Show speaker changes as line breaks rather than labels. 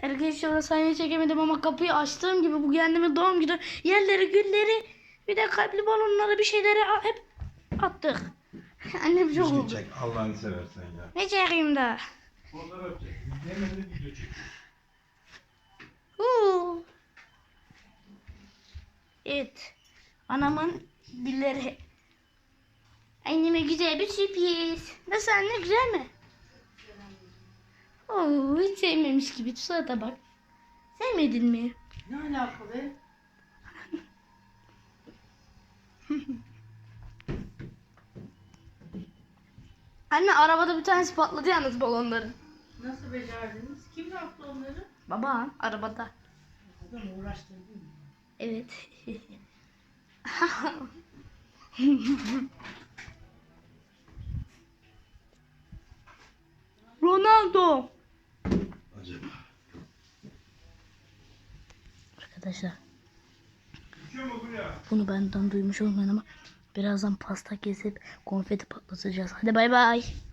Arkadaşlar sahneyi çekemedim ama kapıyı açtığım gibi bu kendime doğum günü yerleri, gülleri, bir de kalpli balonları, bir şeyleri hep attık. Annem çok
Düzgün
oldu.
çek Allah'ını seversen ya.
Ne çekeyim daha?
Fotoğraf çek. Hemen de video çek.
Evet. Anamın gülleri. Anneme güzel bir sürpriz. Nasıl anne, güzel mi? Oo, hiç sevmemiş gibi. Surata bak. Sevmedin mi?
Ne alakalı?
Anne arabada bir tanesi patladı yalnız balonların.
Nasıl becerdiniz? Kim yaptı onları?
Baba arabada.
Adam uğraştırdın mı?
Evet. Ronaldo.
Acaba.
Arkadaşlar
Düşüyor mu buraya?
bunu benden duymuş olmayın ama birazdan pasta kesip konfeti patlatacağız. Hadi bay bay.